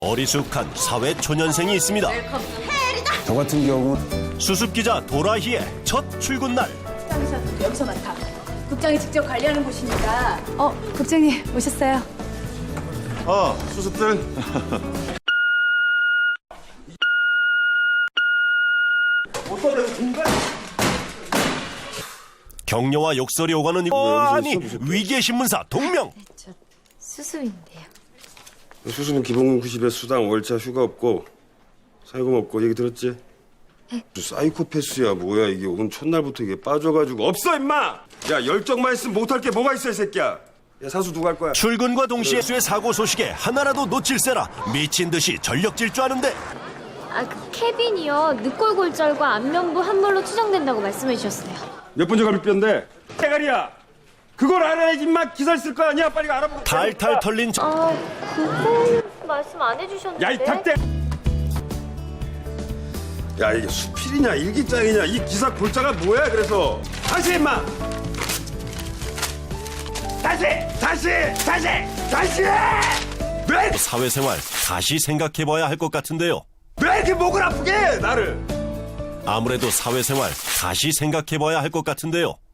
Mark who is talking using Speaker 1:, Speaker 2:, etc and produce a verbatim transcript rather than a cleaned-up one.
Speaker 1: 어리숙한 사회 초년생이 있습니다.
Speaker 2: 저 같은 경우
Speaker 1: 수습기자 도라희의 첫 출근 날.
Speaker 3: 국장이셔도 여기서 맡아. 국장이 직접 관리하는 곳이니까. 어, 국장님 오셨어요.
Speaker 2: 어 수습들
Speaker 1: 격려와 욕설이 오가는 이... 어, 아니 위기의 신문사 동명.
Speaker 4: 저 수수인데요.
Speaker 2: 수습은 기본 구십에 수당 월차 휴가 없고 사회금 없고 얘기 들었지?
Speaker 4: 네.
Speaker 2: 사이코패스야 뭐야 이게 오늘 첫날부터 이게 빠져가지고 없어 임마! 야 열정만 있으면 못할 게 뭐가 있어 이 새끼야. 야 사수 누가 할 거야?
Speaker 1: 출근과 동시에 수의 사고 소식에 하나라도 놓칠세라 미친 듯이 전력 질주하는데
Speaker 4: 아, 그 케빈이요. 늑골골절과 안면부 함몰로 추정된다고 말씀해 주셨어요.
Speaker 2: 몇 번째 갈비뼈인데? 대가리야! 그걸 알아야지 임마 기사 쓸 거 아니야 빨리 알아보고
Speaker 1: 탈탈 털린 저...
Speaker 4: 아, 그건 말씀 안 해주셨는데.
Speaker 2: 야 이 닭대! 야 이게 수필이냐 일기장이냐 이 기사 골자가 뭐야 그래서 다시 임마! 다시! 다시! 다시! 다시! 왜,
Speaker 1: 사회생활 다시 생각해봐야 할 것 같은데요.
Speaker 2: 왜 이렇게 목을 아프게 해 나를!
Speaker 1: 아무래도 사회생활 다시 생각해봐야 할 것 같은데요.